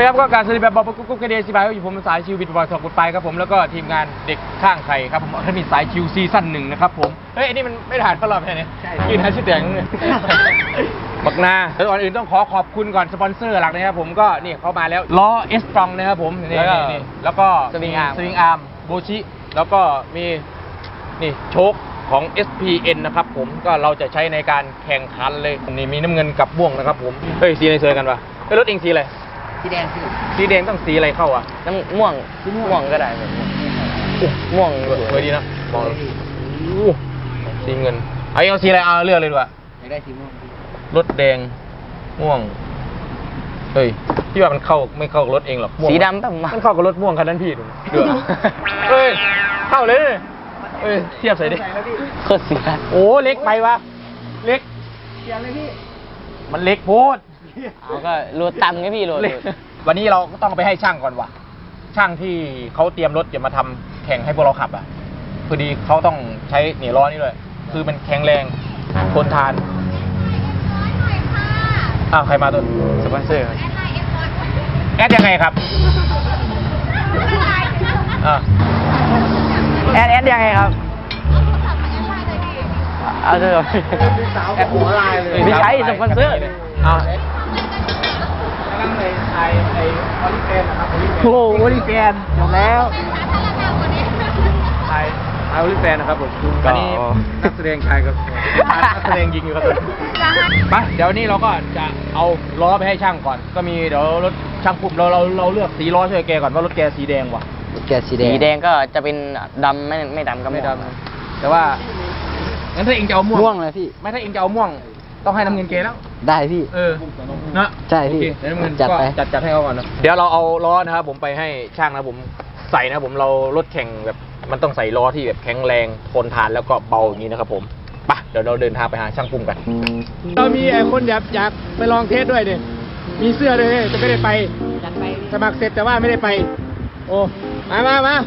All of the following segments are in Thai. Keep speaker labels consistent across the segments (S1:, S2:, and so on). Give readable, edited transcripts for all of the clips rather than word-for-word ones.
S1: ครับก็การสวัสดีแบบบอกกุ๊กกระเดียสิบายอยู่ผมสายชิวบิดบอยสองกุดไปครับผมแล้วก็ทีมงานเด็กข้างใครครับผมถ้ามีสายชิวซีซั่น1นะครับผมเฮ้ยอันนี้มันไม่ผ่านเข้ารอบใช่ไหมยืนหาชื่อแดงเลยบักนาแล้วก่อนอื่นต้องขอบคุณก่อนสปอนเซอร์หลักนะครับผมก็นี่เขามาแล้วล้อเอสตรองนะครับผมนี่แล้วก็สวิงอาร์มโบชิแล้วก็มีนี่โชคของ SPN นะครับผมก็เราจะใช้ในการแข่งขันเลยนี่มีน้ำเงินกับม่วงนะครับผมเฮ้ยสีอะไรสวยกันวะเฮ้ยรถเองสีอะไร
S2: สีแดง
S1: สีแดงต้องสีอะไรเข้าอ่ะ
S2: น้ำม่วงม่วงก็ได้แบบม่วง
S1: สวยดีนะมองสีเงินเอาสีอะไรเอาเลือกเลยดีกว่า
S2: ไม่ได้สีม่วง
S1: รถแดงม่วงเฮ้ยพี่ว่ามันเข้าไม่เข้ากับรถเองหรอก
S2: สีดำป่ะ
S1: มันเข้ากับรถม่วงคันนั้นพี่ดูเฮ้ยเข้าเลยเฮ้ยเทียบใส่ดิ
S2: โคตรเสีย
S1: โอ้เล็กไปวะเล็ก
S2: เสียเลยพี่
S1: มันเล็กโพด
S2: เอาก็โหลดต่ำไงพี่โหลด
S1: วันนี้เราก็ต้องไปให้ช่างก่อนว่ะช่างที่เขาเตรียมรถจะมาทำแข่งให้พวกเราขับอ่ะพอดีเขาต้องใช้เหนี่ยล้อนี่ด้วยคือมันแข็งแรงทนทานใครมาตัว
S2: สปอนเซอร์
S1: แอดยังไงครับ
S2: แอดยังไงครับเอาเถอะ
S1: แอดหัวลายเลย
S2: ไม่ใช่สปอนเซอร์
S1: กำลังเลยไอออลิเฟนนะครับ
S2: โอ้โอลิเฟนจบแล้ว
S1: ไอออลิเฟนนะครับผมอันนี้นักแสดงชายกับนักแสดงยิงอยู่ครับไปเดี๋ยวนี้เราก็จะเอาล้อไปให้ช่างก่อนก็มีเดี๋ยวรถช่างปุ่มเราเลือกสีล้อช่วยแกก่อนว่ารถแกสีแดงว่ะ
S2: รถแกสีแดงก็จะเป็นดำไม่ดำก็ไม่ด
S1: ำแต่ว่างั้นถ้าเองจะเอาม่วง
S2: เลยพี่
S1: ไม่ถ้าเองจะเอาม่วงต้องให้น้ำเงินเกแล้ว
S2: ได้พี่
S1: นะ
S2: ใช่พี่
S1: น้ำเงินจัดให้เขาก่อนนะเดี๋ยวเราเอาล้อนะครับผมไปให้ช่างนะผมใส่นะผมเรารถแข่งแบบมันต้องใส่ล้อที่แบบแข็งแรงทนทานแล้วก็เบาอย่างนี้นะครับผมไปเดี๋ยวเราเดินทางไปหาช่างปุ่มกันเรามีไอ้คนอยากไปลองเทสด้วยเนี่ยมีเสื้อด้วยจะไม่ได้ไปสมัครเสร็จแต่ว่าไม่ได้ไปโอ้มา
S2: แล้ว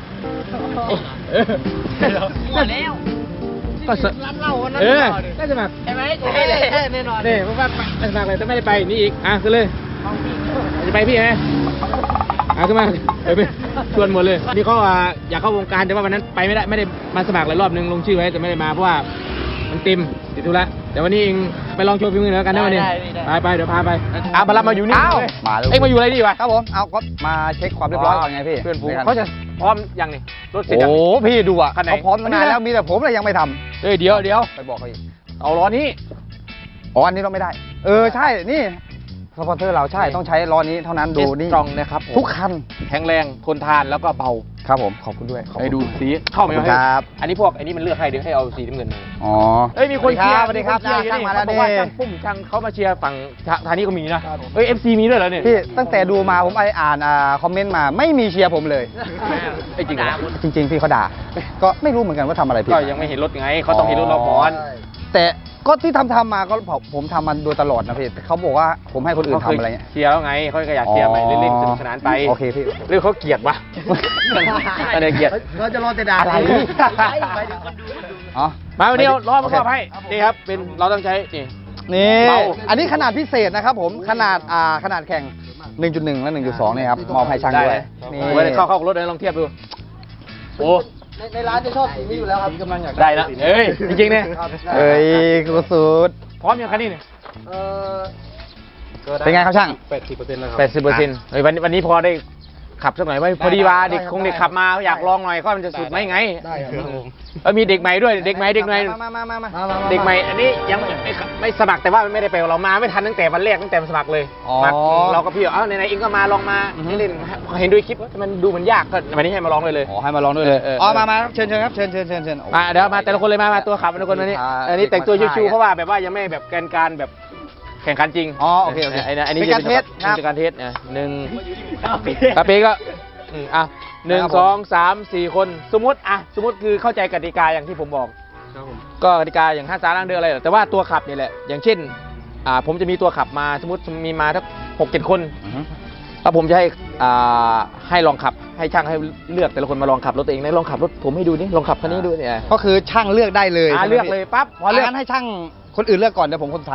S1: ก็ร้านเหล้าคนนั้นได้สมัคร
S2: ใช่ไหมกูไม่ได้แน่นอน
S1: เนี่ยเพราะว่าสมัครเลยแต่ไม่ได้ไปนี่อีกขึ้นเลยจะไปพี่ไหมขึ้นมาไปชวนหมดเลยนี่เขาอยากเข้าวงการแต่ว่าวันนั้นไปไม่ได้มาสมัครหลายรอบนึงลงชื่อไว้แต่ไม่ได้มาเพราะว่ามันติดธุระแต่วันนี้เองไปลองโชว์ฝีมือแล้วกันนะวันนี้ไปเดี๋ยวพาไปมารับมาอยู่นี่เอ็งมาอยู่อะไรดีวะ
S3: ครับผมเอาก็มาเช็คความเรียบร้อยก่อนไงพี่
S1: เพื่อนฝูงเขาจะพร้อมยังนี่รถเสร็จ
S3: โอ้พี่ดูอ่ะเขาพร้อมมานานแล้วมีแต่ผมเลยยังไม่ทำ
S1: เดี๋ยว
S3: ไปบอกเขาอีก
S1: เอาล้อนี้
S3: อันนี้เราไม่ได้ใช่นี่สปอนเซอร์เราใช่ต้องใช้ล้อนี้เท่านั้นดูนี่
S1: ตรงนะครับ
S3: ทุกคัน
S1: แข็งแรงทนทานแล้วก็เบา
S3: ครับผมขอบคุณด้วย
S1: ให้ดูสีเข้าไหม
S3: ครับ
S1: อันนี้พวกอันนี้มันเลือกให้เดี๋ยวให้เอาสีน้ำเงินมีคน
S3: เชียร์สวัสดีครับช่างมาแล้ว
S1: นี่ช่างปุ้มช่างเขามาเชียร์ฝั่งทางนี้ก็มีนะFC มีด้วยเหรอเนี่ย
S3: พี่ตั้งแต่ดูมาผมอ่านคอมเมนต์มาไม่มีเชียร์ผมเลย
S1: จริง
S3: จริงพี่เขาด่าก็ไม่รู้เหมือนกันว่าทำอะไรผิด
S1: ก็ยังไม่เห็นรถไงเขาต้องเห็นรถเราก่อน
S3: แต่ก็ที่ทำมาก็ผมทำมันโดยตลอดนะพี่เขาบอกว่าผมให้คนอื่นทำอะไรเงี้ย
S1: เชียร์แล้วไงเขาก็อยากเชียร์ไปเล่นๆสนุกสนานไป
S3: โอเคพี่
S1: หรือเขาเกลียดวะอะไรเกลียด
S3: เราจะรอแต่ด่าอะไร
S1: มาวันนี้ล้อมาครอบให้นี่ครับเป็นเราต้องใช้
S3: นี่อันนี้ขนาดพิเศษนะครับผมขนาดแข่ง 1.1 และ 1.2 นี่ครับมอบให้ช่างด้วย
S1: นี่ไว้เข้ารถเลยลองเทียบดูโอ้
S2: ในร้านจะชอบสีนี้อยู่แล้วครับกำลังอยาก
S1: ได้แล้วจริงๆเนี่ย
S3: สุด
S1: พร้อมยังคันนี้เนี่ย
S3: เป็นไงครับช่าง
S1: 80%แล้วครับ80%วันนี้พอได้ขับสักหน่อยพอดีว่าเด็กขับมาอยากลองหน่อยก็มันจะสุดไหมไง
S3: ได้
S1: ครับมีเด็กใหม่ด้วยเด็กใหม่อันนี้ยังไม่สมัครแต่ว่าไม่ได้ไปเรามาไม่ทันตั้งแต่วันแรกตั้งแต่สมัครเลยเราก็พี่ไหนๆเองก็มาลองมาเล่นเห็นด้วยคลิปมันดูมันยากก็วันนี้ให้มาลองเลย
S3: ให้มาลองด้วยเลยมาเชิญครับเชิญ
S1: มาเดี๋ยวมาแต่ละคนเลยมาตัวขับแต่ละคนวันนี้อันนี้แต่งตัวชิวๆเพราะว่าแบบว่ายังไม่แบบการแบบแข่งขันจริง
S3: โอเค
S1: อันนี้การเทสการเทสหนึ่งกาเป้ก็1 2 3 4 คนสมมติคือเข้าใจกติกาอย่างที่ผมบอกก็กติกาอย่าง5 3 ล้างเดือนอะไรแต่ว่าตัวขับนี่แหละอย่างเช่นผมจะมีตัวขับมาสมมติมีมาทั้ง6-7 คนแล้วผมจะให้ลองขับให้ช่างให้เลือกแต่ละคนมาลองขับรถตัวเองลองขับรถผมให้ดูนี่ลองขับคันนี้ดูเนี่ย
S3: ก็คือช่างเลือกได้เลย
S1: เลือกเลยปั๊บ
S3: พอเลือกให้ช่างคนอื่นเลือกก่อนเดี๋ยวผมคนสุดท้ายก็ได้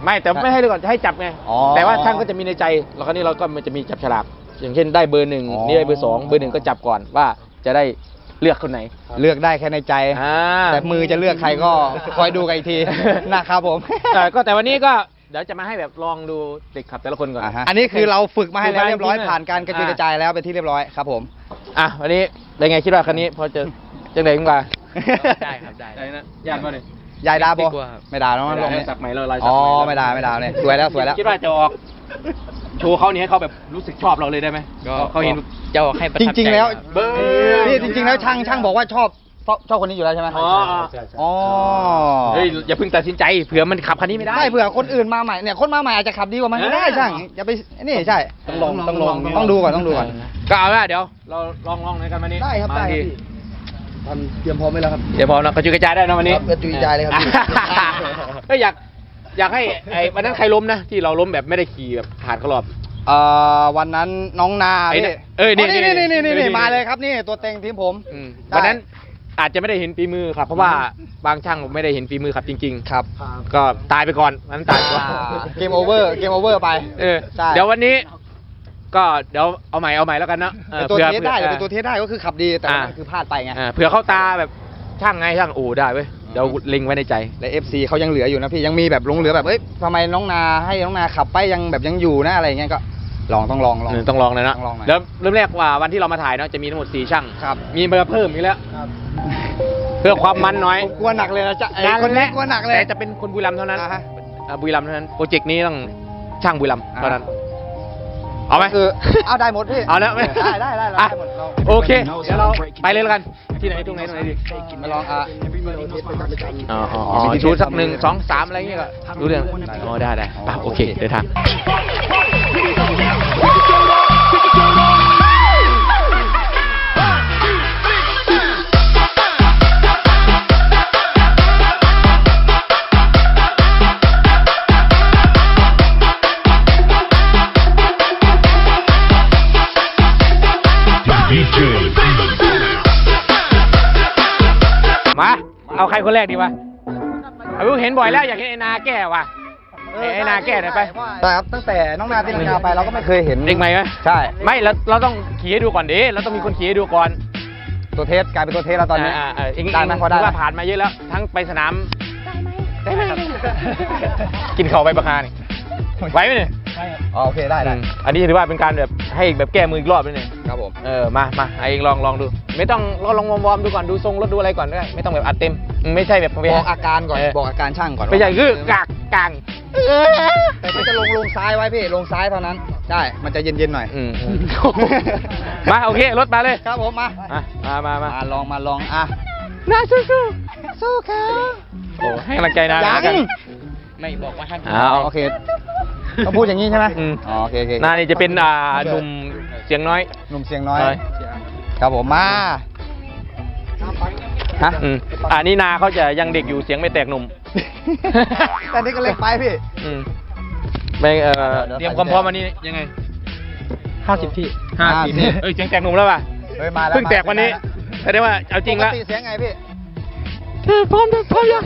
S1: ไม่แต่ไม่ให้เลยก่อนจะให้จับไง
S3: อ๋อ
S1: แต่ว่าช่างก็จะมีในใจแล้วคราวนี้เราก็มันจะมีจับฉลากอย่างเช่นได้เบอร์ 1
S3: อ๋อ
S1: นี่ได้เบอร์ 2 เบอร์ 1ก็จับก่อนว่าจะได้เลือกคนไหน
S3: เลือกได้แค่ในใจ แต่มือจะเลือกใครก็คอยดูกันอีกที นะครับผม
S1: แต่วันนี้ก็เดี๋ยวจะมาให้แบบลองดูเด็กขับแต่ละคนก่อน
S3: อันนี้คือเราฝึกมาให้แล้วเรียบร้อย
S1: ฝึกมา
S3: ผ่านการกระจุยกระจายแล้วเป็นที่เรียบร้อยครับผม
S1: อ่ะวันนี้เป็นไงคิดว่าคันนี้พอจะจังไหนขึ้นมา
S2: ได้ครับได้
S1: ได้นะยากกว่าเลย
S3: ยายดาบ
S2: ไม่กลัวครับ
S3: ไม่ด่าน้อง
S1: ไม่
S3: ล
S1: ได้
S3: งเลย
S1: สักใหม่เราลายสั
S3: อ๋
S1: ก
S3: อ
S1: ใหม่
S3: ไม่ด่าเนี่ยสวยแล้วสวยแล้ว
S1: คิดว่าจะออกโชว์เขานี่ให้เขาแบบรู้สึกชอบเราเลยได้ไหม
S2: ก็
S1: เขาเห็น
S2: จะออกให้ประ
S3: จ
S2: ทับใจ
S3: ริง ๆ แล้ว
S2: ครับ
S1: เบอร์
S3: นี่จริง ๆ แล้วช่างบอกว่าชอบคนนี้อยู่แล้วใช่ไหม
S1: อ๋อ
S3: อ๋อ
S1: เฮ้ยอย่าเพิ่งตัดสินใจเผื่อมันขับคันนี้ไม่ได้
S3: ไม่เผื่อคนอื่นมาใหม่เนี่ยคนมาใหม่อาจจะขับดีกว่ามันก็ได้ช่างอย่าไปนี่ใช่ ต้องดูก่อนต้องดูก่อน
S1: ก็เอาละเดี๋ยวเราลองในกันวันนี้
S3: ได้ครับได้ครับ
S1: มาที
S3: พี่ทำเตรียมพร้อมไว้แล้วครับ
S1: เดี๋ยวพอเรากระจุยกระจายได้นะวันนี้
S3: ครับกระจุยกระจายเลยครับพี่
S1: เฮ้ยอยากให้ไอ้วันนั้นใครล้มนะที่เราล้มแบบไม่ได้ขี่แบบผ่านเขารอบ
S3: วันนั้นน้องนา
S1: ไอ้
S3: พี่
S1: เนี่ยเอ้ยนี่
S3: นี่มาเลยครับนี่ตัวเต็งทีมผม ได้
S1: วันนั้นอาจจะไม่ได้เห็นฝีมือครับเพราะว่าบางช่างไม่ได้เห็นฝีมือครับจริงๆ
S3: ครับ
S1: ก็ตายไปก่อนวันนั้นตายไปก่อน
S3: เกมโอเวอร์ไป
S1: เออ
S3: ใช่
S1: เดี๋ยววันนี้ ก็เดี๋ยวเอาใหม่แล้วกันเนาะ
S3: เป็นตัวเทสได้เป็นตัวเทสได้ก็คือขับดีแต่ว่ามันคือพลาดไปไง
S1: เผื่อเข้าตาแบบช่างไงช่างโอ้ได้เว้ยเดี๋ยวเล็งไว้ในใจ
S3: และ FC เขายังเหลืออยู่นะพี่ยังมีแบบหลงเหลือแบบเอ้ยทำไมน้องนาให้น้องนาขับไปยังแบบยังอยู่นะอะไรอย่างเงี้ยก็ต้องลอง
S1: ต้องลองเลยนะ
S3: ต้องลองหน่อย
S1: แล้วเริ่มแรกว่าวันที่เรามาถ่ายเนาะจะมีทั้งหมด4ช่าง
S3: ครับ
S1: มีมาเพิ่มอีกแล้ว เพื่อความมันน้อย
S3: ผมกลัวหนักเลยนะจ๊ะไอ้
S1: งาน
S3: คนนี้
S1: แรก
S3: กลัวหนักเลย
S1: แต่จะเป็นคนบุรีรัมย์เท่านั้น
S3: อ่าฮะ
S1: บุรีรัมย์เท่านั้นโปรเจกต์นี้ต้องช่างบุรีรัมย์เท่านั้นเอาไหม
S3: คือเอาได้หมดพี่
S1: เอาแล้วไหม
S3: ได้
S1: อ่ะ
S3: หมดเรา
S1: โอเคเดี๋ยวเราไปเลยแล้วกันที่ไหนตรงไหนดี
S3: มาลอง
S1: มีชุดสัก1 2 3อะไรอย่างเงี้ยก็รู้เรื่องอ๋อได้ป่ะโอเคเดินทางมาเอาใครคนแรกดีวะเอาเห็นบ่อยแล้วอยากเห็นไอ้นาแก้ว่ะไอ้นาแก้หน่อยไป
S3: ใช่ครับตั้งแต่น้องนาตีลังกาไปเราก็ไม่เคยเห็น
S1: เด็กใหม่ไหม
S3: ใช่
S1: ไม่เราต้องขี่ให้ดูก่อนดิเราต้องมีคนขี่ให้ดูก่อน
S3: ตัวเทสกลายเป็นตัวเทสแล้วตอนนี้
S1: เอง
S3: ได้ไหมพอได้
S1: ว่าผ่านมาเยอะแล้ว ทั้งไปสนามได้ไหมกินข้าวใบประคานี่ไหวไหมเนี่ย
S3: อ๋อโอเคได้
S1: อันนี้ถือว่าเป็นการแบบให้แบบแก้มืออีกรอบนึงเนี่ย
S3: ครับผม
S1: มาไอ้เองลองดู ไม่ต้องลองวอร์มดูก่อนดูทรงรถดูอะไรก่อนก็ได้ไม่ต้องแบบอัดเต็มไม่ใช่แบบ
S3: บอกอาการก่อนบอกอาการช่างก่อน
S1: ไม่ใช่คือกาง
S3: แต่ถ้าจะลงซ้ายไว้พี่ลงซ้ายเท่านั้นได้มันจะเย็นๆหน่อย
S1: มาโอเครถมาเลย
S3: ครับผมมา
S1: มา
S3: ลองอ่ะ
S1: น่าสู้
S3: สู้เขา
S1: โอ้ให้กำลังใจนะ
S3: ยัง
S2: ไม่บอกว่าท่าน
S3: โอเคต้องพูดอย่างนี้ใช่ไหมโอเค
S1: นานี่จะเป็นหนุ่มเสียงน้อย
S3: หนุ่มเสียงน้อยครับผมมาฮะ
S1: อันนี้นาเขาจะยังเด็กอยู่เสียงไม่แตกหนุ่ม
S3: แต่นี่ก็เล็กไปพี่
S1: ไม่เตรียมความพร้อมวันนี้ยังไง
S2: 50 ที่
S1: 50เสียงแตกหนุ่มแล้วป่ะ
S3: เฮ้ยมาแล้ว
S1: เพิ่งแตกวันนี้แสดงว่าเอาจริงแล้ว
S3: ปกติเสียงไงพี่
S1: พร้อมยัง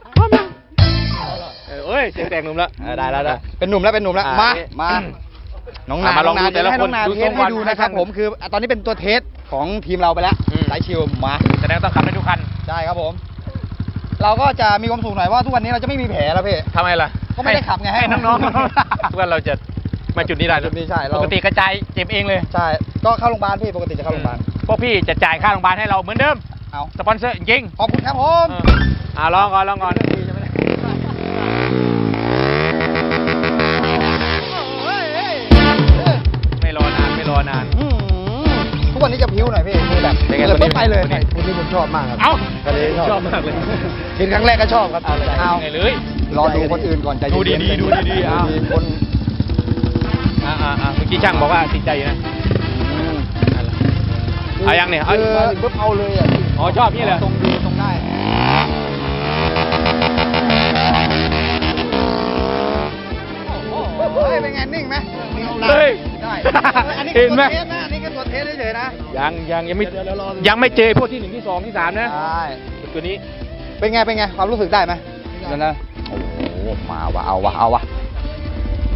S1: เอ้ยเสียงแตกหนุ่มแล้วได้แล้ว
S3: เป็นหนุ่มแล้วมาน้องนา
S1: มาลองดูแต่ละ
S3: ให้
S1: ค
S3: น้อน งนา
S1: ดู
S3: เท
S1: ทร
S3: ส
S1: ง
S3: ให้
S1: ก่อน
S3: ดูนะครับ
S1: ให้ช่าง
S3: ผมคือตอนนี้เป็นตัวเทสของทีมเราไปแล้วสายชิวมา
S1: แสดงต้องขับได้ทุกคัน
S3: ได้ครับผม เราก็จะมีความสุขหน่อยว่าทุกวันนี้เราจะไม่มีแผลแล้วพี่
S1: ทำไมล่ะ
S3: ก็ไม่ได้ขับไง
S1: ให้น้องๆ ว่าเราจะมาจุดนี้ได้
S3: จุดนี้ใช่เรา
S1: ปกติกระจายเจ็บเองเลย
S3: ใช่ก็เข้าโรงพยาบาลพี่ปกติจะเข้าโรงพยาบาล
S1: พวกพี่จะจ่ายค่าโรงพยาบาลให้เราเหมือนเดิม
S3: เอา
S1: สปอนเซอร์จริง
S3: ขอบคุณครับผม
S1: ลองก่อนไม่รอนาน
S3: ทุกวันนี้จะพิ้วหน่อยพี่คือแบบ
S1: เป็นไง
S3: เกิด
S1: คนนี้
S3: ปุ๊บไปเลย
S1: คนนี้
S3: คนนี้ผมชอบมากครับ
S1: เอ้า
S3: คนนี้ชอบ
S1: มากเลย
S3: เห็นครั้งแรกก็ชอบครับเอา
S1: ไงเลย
S3: รอดูคนอื่นก่อนใจเย็น
S1: ดูดีๆเอา
S3: มีคน
S1: เมื่อกี้ช่างบอกว่าติดใจอยู่นะเอายังเนี่ย
S3: คือปุ๊บเอาเลยอ่ะ
S1: อ๋อชอบนี่เหรอ
S3: ตรงดีตรงได้เฮ้ยเป็นไงนิ่งไหม
S1: เฮ้ย
S3: ได้อันนี้
S1: เห็นไหม
S3: ตัวเทสนะอันนี้ก็ตัวเทสเฉยๆนะ
S1: ยังไม่เจอพวกที่ 1 ที่ 2 ที่ 3 นะ
S3: ใช่
S1: ตัวนี้
S3: เป็นไงความรู้สึกได้ไหมเดี๋ยวนะโอ้โหมาว่ะเอาวะ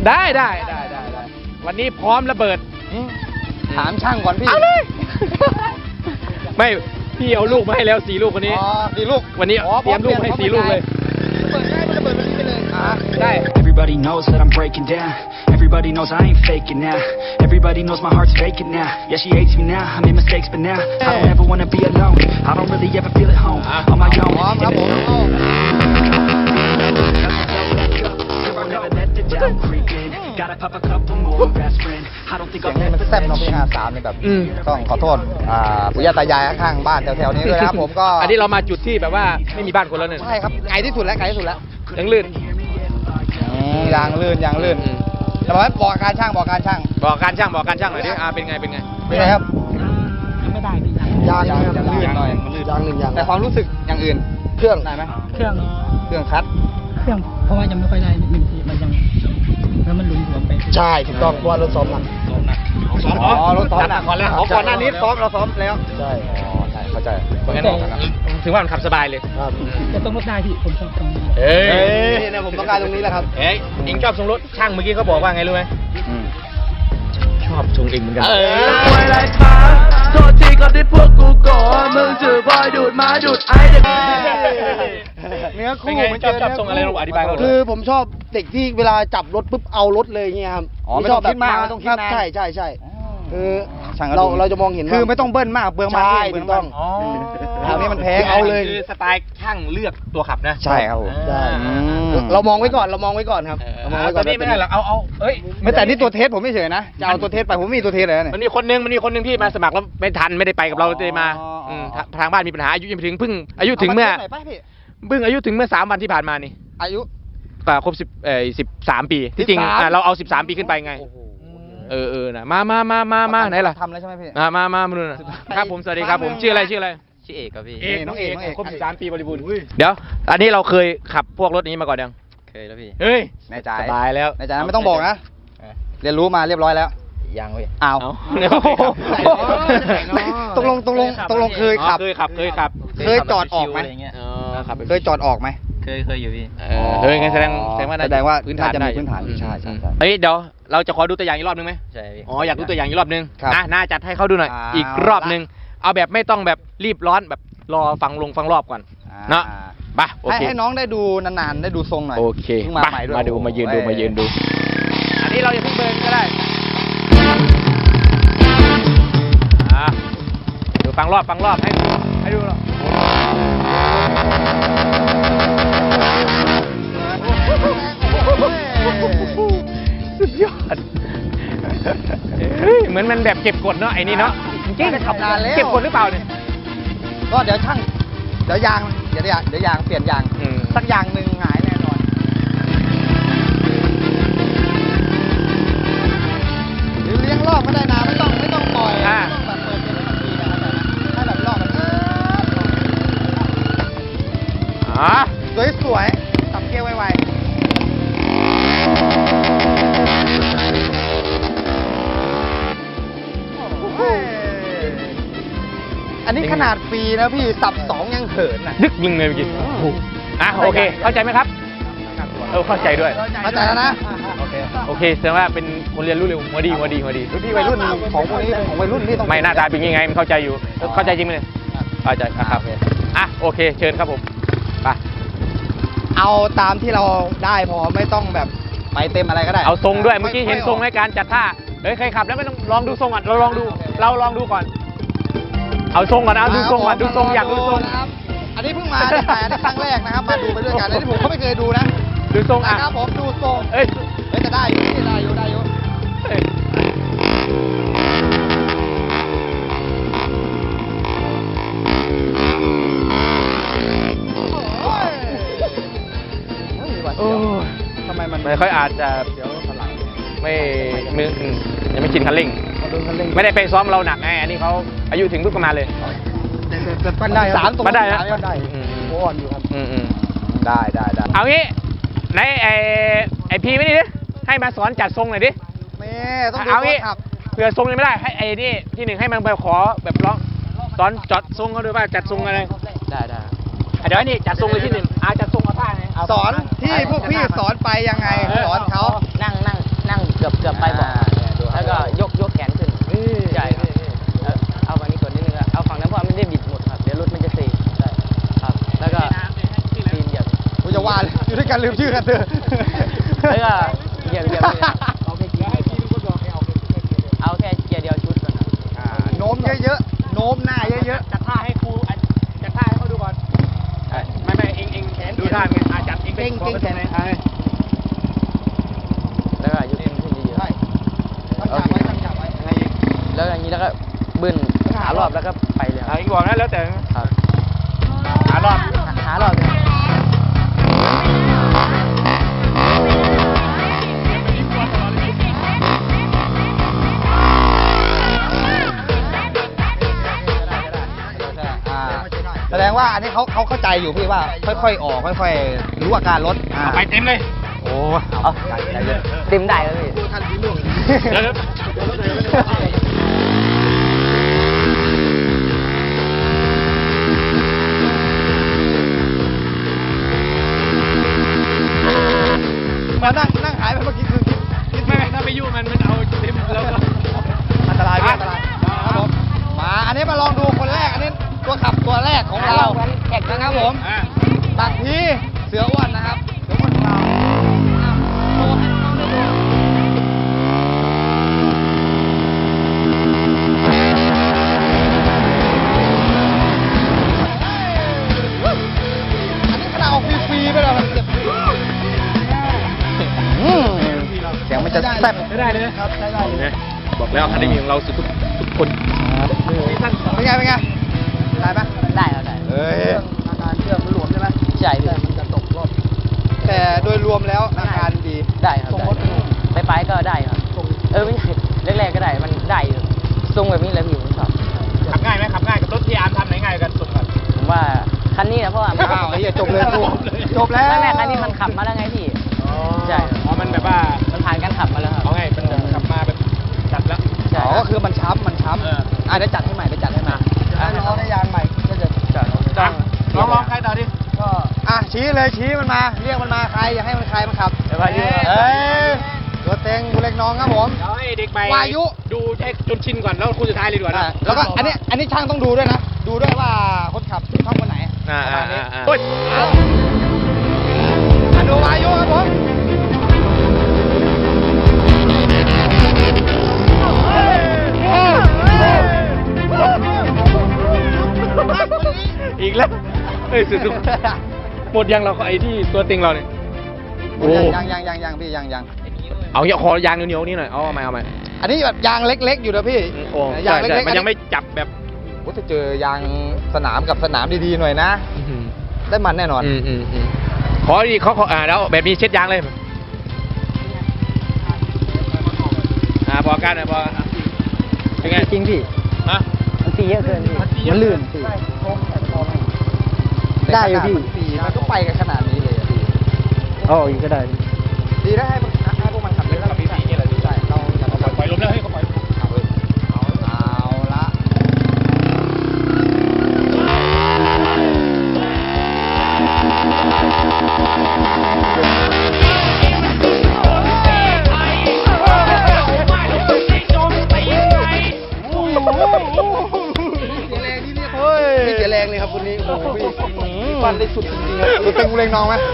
S1: ได้วันนี้พร้อมระเบิด
S3: ถามช่างก่อนพี่
S1: เอาเลย ไม่พี่เอาลูกมาให้แล้ว4 ลูกวันนี้
S3: อ๋อ4 ลูก
S1: วันนี้เตรียมลูกให้4 ลูกเลย
S3: ระเบิดวันนี้ไปเลยได้
S4: Everybody knows that I'm breaking down. Everybody knows I ain't faking now. Everybody knows my heart's faking now. Yeah, she hates me now. I made mistakes, but now I don't ever wanna be alone. I don't really ever feel at home on my
S3: พร้อม
S4: own.
S3: ครับผม
S4: I'll never let the doubt creep in. Gotta pop a couple more aspirin. I don't think
S3: เสีย
S4: I'll
S3: งนี้
S4: ever
S3: มันแซ่บเนาะพี่
S4: finish.
S3: 53นี่แบบ
S1: อืม
S3: ต้องขอโทษปู่ย่าตายายข้างๆบ้านแถวๆนี้ด้วยนะครับผมก็
S1: อันนี้เรามาจุดที่แบบว่าไม่มีบ้านคนแล้วเนี่ย
S3: ใช่ครับไกลที่สุดแล้ว
S1: ยังลื่น
S3: ยางลื่นแต่ว่าบอกการช่าง
S1: บอกการช่างหน่อยดิเป็นไง
S3: เป็นไงครับยางลื่นหน่อยแต่ความรู้สึกอย่างอื่นเครื่องได้ไหม
S5: เครื่อง
S3: เครื่องคัด
S5: เพราะว่ายังไม่ค่อยได้มันยังแล้วมันหลุมๆไป
S3: ใช่ถูกต้องเพราะว่ารถซ้อมหนัก อ๋อรถซ้อมหนัก
S1: ก่อนแล้ว
S3: ก่อนหน้านี้เราซ้อมแล้วใช่ใช่เข้าใจ
S1: เพราะงั้นถึงว่ามันขับสบายเลย
S5: แต่ต้องลดได้พี่ผมชอบตรงนี้
S1: เอ้ย
S3: นี่นะผมต้องการตรงนี้แหละครับ
S1: เอ้ยเองชอบทรงรถช่างเมื่อกี้เขาบอกว่าไงรู้ไหมชอบทรงเองเหมือนกัน
S6: อะไรครับโทษทีก็ได้พวกกูก่อนมึงจือบอยดูดมาดูดไอ้เด็ก
S3: เนื้อ
S1: เป็น
S3: คู่
S1: ไง
S3: มัน
S1: ชอบทรงอะไรเราอธิบายเขา
S2: คือผมชอบเด็กที่เวลาจับรถปุ๊บเอารถเลยเงี้ยครับ
S3: อ๋อไม่ต้องคิดมากไม่ต้องคิดนาน
S2: ใช่คือ
S3: ช่าง
S2: เราจะมองเห็นว่า
S3: คือไม่ต้องเบิ้ลมากเปลืองมัน
S2: ใช่
S3: เปลื
S2: ถู
S3: อง
S2: ก
S3: มั
S2: ต้อง
S1: อ๋อ
S3: ทางนี้มันแพง
S2: เอาเลย
S1: คือสไตล์ช่างเลือกตัวขับนะ
S3: ใช่ครับผม
S2: ใช่
S3: อืม
S2: เรามองไว้ก่อนครับ
S1: เออ
S2: เรามองไว้
S1: ต
S2: ก่
S1: อ
S2: อน
S1: นนี้ไม่ได้หรอกเอาเอ้ย
S3: ไม่แต่นี่ตัวเทสผมไม่เฉยนะจะเอาตัวเทสไปผมไม่มีตัวเทสเลยนะเนี่ย
S1: มันมีคนนึงที่มาสมัครแล้วไม่ทันไม่ได้ไปกับเราเลยมา
S3: อ๋ออื
S1: มทางบ้านมีปัญหาอายุยังไม่ถึงเพิ่งอายุถึงเมื่อ
S3: ไหนปะพี่
S1: อายุถึงเมื่อ3 วันที่ผ่านมานี่
S3: อายุ
S1: ครบ13 ปีที่จริง
S3: 13
S1: เราเอา13 ปีขึ้นไปไงนะมาไหนล่ะ
S3: ทำแล้วใช่ไหมพี่
S1: มาดูนะครับผมสวัสดีครับผมชื่ออะไรชื่อเอกครับพี่
S3: น้องเอก
S1: ครบ13 ปีบริบูรณ์เดี๋ยวอันนี้เราเคยขับพวกรถนี้มาก่อนยัง
S6: เคยแล้วพี่
S1: เฮ้ย
S3: แน่ใจ
S1: สบายแล้ว
S3: แน่ใจนะไม่ต้องบอกนะเรียนรู้มาเรียบร้อยแล้ว
S6: ยังพี่
S3: อ้าว
S1: เอา
S3: ตกลงเคยขับ
S1: เคยขับ
S3: เคยจอดออกไหม
S1: ขับ
S3: เคยจอดออกไหม
S6: เคยอยู่พี่
S1: เฮ้ยงั้นแสดงว่า
S3: แสดงว่า
S1: พื้นฐาน
S3: น่าจะมี
S1: ได้
S3: พื้นฐาน
S1: อืม
S3: ใช่
S1: เฮ้ยเดี๋ยวเราจะขอดูตัวอย่างอีกรอบนึงไหม
S6: ใช่พี่
S1: อ๋ออยากดูตัวอย่างอีกรอบนึง
S3: ครับ
S1: น่าจัดให้เขาดูหน่อยอีกรอบนึงเอาแบบไม่ต้องแบบรีบร้อนแบบรอฟังรอบก่อนเนาะไปโอเค
S3: ให้น้องได้ดูนานๆได้ดูทรงหน่อย
S1: โอเค
S3: พิ่งมาใหม่ด้วย
S1: มายืนดู อันนี้เราจะเพิ่งเบิร์นก็ได้ดูฟังรอบให้ดูหรอสุดยอดเหมือนมันแบบเก็บกดเนาะไอ้นี่เนาะจริง
S3: ได้ขับนานแล้ว
S1: เก็บกดหรือเปล่าเนี่ย
S3: ก็เดี๋ยวช่างเดี๋ยวยางเปลี่ยนยาง
S1: อืม
S3: สักยางหนึ่งหายแน่นอนหรือเลี้ยงรอบก็ได้นะไม่ต้องปล่อยไม่ต้องแบบเปิดเป็นแล้วมันทีนะครับให้แบบรอบมัน
S1: อ๋อ
S3: สวยๆตับเกลียวไวๆอันนี้ขนาดฟรีนะพี่สับ2ยังเขินอ่ะ
S1: นึกยิงเลยเมื่อกี้โอเค เข้าใจไหมครับเข้าใจด้วย
S3: เข้าใจแล้วนะ
S1: โอเคแสดงว่าเป็นคนเรียนรู้เร็วหัวดี
S3: พี่วัยรุ่นของพวกนี้ของวัยรุ่นนี่ต้อง
S1: ไม่หน้าตาเป็นยังไงมันเข้าใจอยู่ เข้าใจจริงไหมเนี่ยเข้าใจครับโอเค เชิญครับผมไป
S3: เอาตามที่เราได้พอไม่ต้องแบบไปเต็มอะไรก็ได้
S1: เอาทรงด้วย เมื่อกี้เห็นทรงในการจัดท่า เฮ้ยใครขับแล้วไม่ต้องลองดูทรงก่อนเราลองดูก่อน เอาทรงก่อนดูทรงอยากดูทรง
S3: นะครับอันนี้เพิ่งมาแต่อันนี้ครั้งแรกนะครับ มาดูไปด้วยกันอันนี้ผมก็ไม่เคยดูนะ
S1: ดูทรง
S3: นะครับผมดูทรง
S1: เอ้ย
S3: จะได้อยู่นี่ได้อยู่
S1: เอ้ย โอ้ย
S3: ทำไมมัน
S1: ไม่ค่อยอาจจะไม่ยังไม่ชินคันเร่ง ไม่ได้ไปซ้อมเราหนักไงอันนี้เขาอายุถึงปุ๊บก็มาเลย
S3: แต่ปั้นได้ครับ
S1: ปั้นได้นะ
S3: ปั้นได้
S2: โอ้อนอยู่ครับ
S3: ได้
S1: เอางี้ไหนไอพีไม่นี่ดิให้มาสอนจัดทรงหน่อยดิ
S3: แม่ต้องดู
S1: เอางี้
S3: ครับ
S1: เผื่อทรงยังไม่ได้ให้ไอ้นี่ที่หนึ่งให้มันไปขอแบบร้องสอนจัดทรงเขาด้วยว่าจัดทรงอะไรได้เดี๋ยวไอ้นี่จัดทรงเลยที่หนึ่งจัดทรงเอาท่าไง
S3: สอนที่พวกพี่สอนไปยังไงสอนเขา
S6: นั่ง
S2: กือบไปบอกแล้วก็ยกแขนขึ้นใช่ครับแล้วเอาฝั่งนี้กดนิดนึงเอาฝั่งนั้นเพราะมันได้บิดหมดครับเดี๋ยวรถมันจะเซใช่ครับแล้วก็ตีนเหยียบ
S3: กูจะว่าเลยอยู่ด้วยกันลืมชื่อกันเถอะ
S2: แล้วก็เหยียบเลยเอาแค่เกียร์เดียวชุดก่อนครับ
S3: โน้มเยอะๆ โน้มหน้าเยอะ
S1: จัดท่าให้ครูจัดท่าให้เขาดูก่อนไม่เองดูท่าไงจัดเองเป็นคอเป็นไง
S2: แล้วก็ยกขึ้นเยอะๆตั้งฉากไว้แล้วอย่างนี้แล้วก็บึ้นหารอบแล้วก็ไปเลยครับ
S1: เองบอกนะแล้วแต่
S2: ครับ
S1: หารอบ
S2: หารอบเลย
S3: ๆแสดงว่าอันนี้เขาเข้าใจอยู่พี่ว่า ค่อยๆ ออก ค่อยๆ รู้อาการรถ
S1: ไปเต็มเลย
S3: โอ้
S2: เอาเต็มได้แล้วพี่
S1: เดี๋ยว
S3: มานั่งหายไปเมื่อกี้คือคิด
S1: ไม่ถ้าไปยุ่งมันเอาเต็มแล้วก็
S3: อันตรายพี่อันตรายครับผมมาอันนี้มาลองดูคนแรก อันนี้ตัวขับตัวแรกของเรานะครับผมตักทีเสืออ้วนนะครับ เสืออ้วนของเราโชว์ให้น้องได้ดูอันนี้ขนาดออกฟรีๆไปแล้วมันเจ็บเสียงมันจะแซ่บ
S1: ได้เลยครับใช้ได้เลยบอกแล้วคันนี้ของเราสุดทุกคน
S3: เป็นไงได้ไหม
S2: ได้แล้วได้
S3: เอ้ย
S5: อาการเครื่องมันหลวมใช่ไหม
S2: ใช่พี่
S5: มันจะตกรอบ
S3: แต่โดยรวมแล้วอาการดี
S2: ได้ครับไปก็ได้ครับไม่ใช่แรกๆก็ได้มันได้อยู่ทรงแบบนี้เลยพี่ผมชอบ
S1: ขับง่ายไหมขับง่ายกับรถที่อาร์มทำไหนง่ายกันสุดกัน
S2: ผมว่าคันนี้นะเพราะว่า
S3: อ้าวไอ้เหี้ยจบเลยกูจบแล้ว
S2: แรกๆคันนี้มันขับมาแล้วไงพี่ใช่
S1: อ๋อมันแบบว่า
S2: มันผ่านการขับมาแล้วครับ
S1: เอาไงมันขับมาแบบจัดแล้ว
S2: ใช่
S3: อ๋อก็คือมันช้ำเดี๋ยวจัดให้ใหม่ถ้าน้องได้ยางใหม่ก็จะ
S1: จังลองใครต่อดิ
S3: ก็ชี้เลยชี้มันมา เรียกมันมาใครอยากให้มันใครมันขับ
S2: เดี๋ยววายุ
S3: เอ้ยตัวเต็งกูเล็กน้องครับผม
S1: เดี๋ยวให้เด็กใหม่
S3: วายุ
S1: ดูใช้จนชินก่อนแล้วคู่สุดท้ายเลยดีกว่านะ
S3: แล้วก็อันนี้ช่างต้องดูด้วยนะ ดูด้วยว่าคนขับชอบคนไหนประมาณนี้
S1: โอ้ย
S3: ดูวายุครับผม
S1: อีกแล้วเฮ้ยสุดๆหมดยังเราก็ไอ้ที่ตัวติงเราเนี่ยโอ้
S3: ยังพี่ยัง
S1: เอาเหี้ยคอยางเหนียวๆนี่หน่อยเอาใหม่
S3: อันนี้แบบยางเล็กๆอยู่นะพี่
S1: โอ้
S3: ยาง
S1: ใช่
S3: เล็กๆ
S1: มันยังไม่จับแบบ
S3: โอ้จะเจอยางสนามกับสนามดีๆหน่อยนะ ได้มันแน่นอน
S1: ขอดีเขาแล้วแบบนี้เช็ดยางเลยพอกันพอเป็นไง
S2: จริงพี่
S1: ฮะ
S2: มันตีเยอะเกินพี่มันลื่นพี่
S3: ได้อยู่พี่มันก็ไปกันขนาดนี้เลยอะพี่
S2: อ๋ออีกก็ได้
S3: ดีนะให้พวกมันขับเลยแล้วเราพี่นี่แหละใช่เราจะเอา
S1: ปล่อยลมแล้วให้เขาปล่อย
S3: เอาละ พี่เสียแรงเลยครับคนนี้โอ้โหพี่ฟันได้สุดจริงๆครับตัวเต็งกูเล็งน้องไหม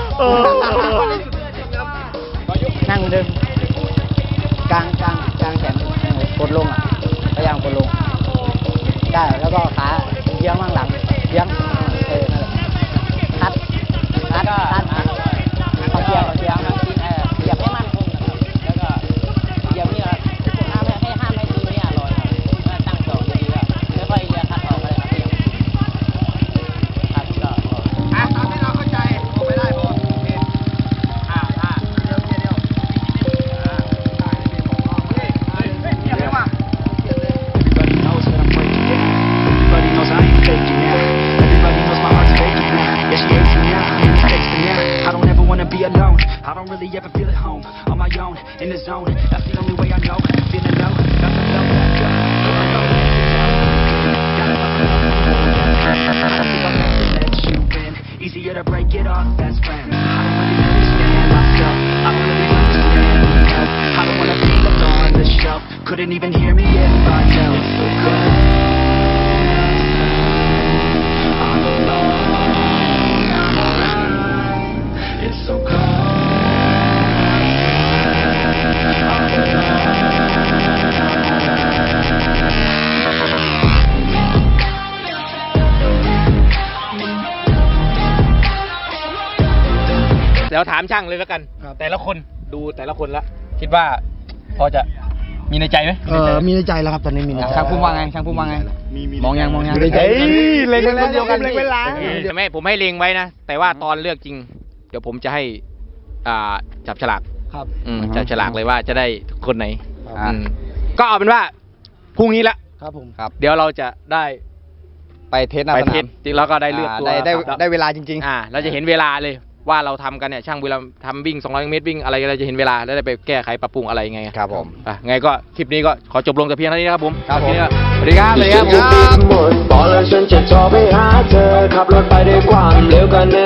S2: นั่งเหมือนเดิมกลางแขนกดลงพยายามกดลงได้แล้วก็ขาเยื้องข้างหลังเยื้องนั่นแหละคัดเขาเกียร์เหยียบให้มั่นคงนะครับแล้วก็เหยียบนี่ครับห้ามให้ตีนี่ลอยครับตั้งสองดีๆแล้วค่อยเลี้ยคัดออกไปเลยครับคัดก็
S3: ตามที่เราเข้าใจโอ้ไม่ได้พอโอเคเดียวได้ดีผมก็เฮ้ยว่ะ
S4: Everybody knows that I'm breaking down. Everybody knows I ain't faking now. Everybody knows my heart's faking now. Yeah, she hates me now, made mistakes but now I don't ever wanna be alone. I don't really ever feel at home. On my own, in the zone. That's the only way I know. Feeling low, got the flow back up. Let you in. Easier to break it off best friends. I don't really understand myself. I don't really understand because I don't wanna be couldn't even hear me if I yelled. It's so cold I'm alone. It's so cold.
S1: เดี๋ยวถามช่างเลยแล้วกัน แต่ละคนดูแต่ละคนละคิดว่าพอจะมีในใจไหม
S5: มีในใจแล้วครับตอนนี้มีในใจ
S3: ช่างพุ่มว่าไงช่างพุ่มว่าไงมองยัง
S5: มีในใจ
S3: เล็งเดียวกัน
S1: แต่ไม่ผมให้เลงไว้นะ แต่ว่าตอนเลือกจริง เดี๋ยวผมจะให้จับฉลาก
S5: ครับ
S1: จับฉลากเลยว่าจะได้คนไหน
S3: อ่า
S1: ก็เอาเป็นว่าพรุ่งนี้ละ
S5: ครับผม
S3: ครับ
S1: เดี๋ยวเราจะได้
S3: ไปเทสหน้า
S1: ไป
S3: ส
S1: เท
S3: นา
S1: ส
S3: ม
S1: จริงแล้วก็ได้เลือกตัว
S3: ได้เวลาจริง
S1: เราจะเห็นเวลาเลยว่าเราทำกันเนี่ยช่างเวลาทำวิ่ง200 เมตรวิ่งอะไรเราจะเห็นเวลาแล้วได้ไปแก้ไขปรับปรุงอะไรยังไง
S3: ครับผม
S1: ไงก็คลิปนี้ก็ขอจบลงแต่เพียงเท่านี้นะครับผม
S3: ครับผม
S1: ทีนี้ก็
S3: สวัสดีครับ
S6: หมดบอกแล้วฉันจะโทรไปหาเธอขับรถไปด้วยความเร็วกันใน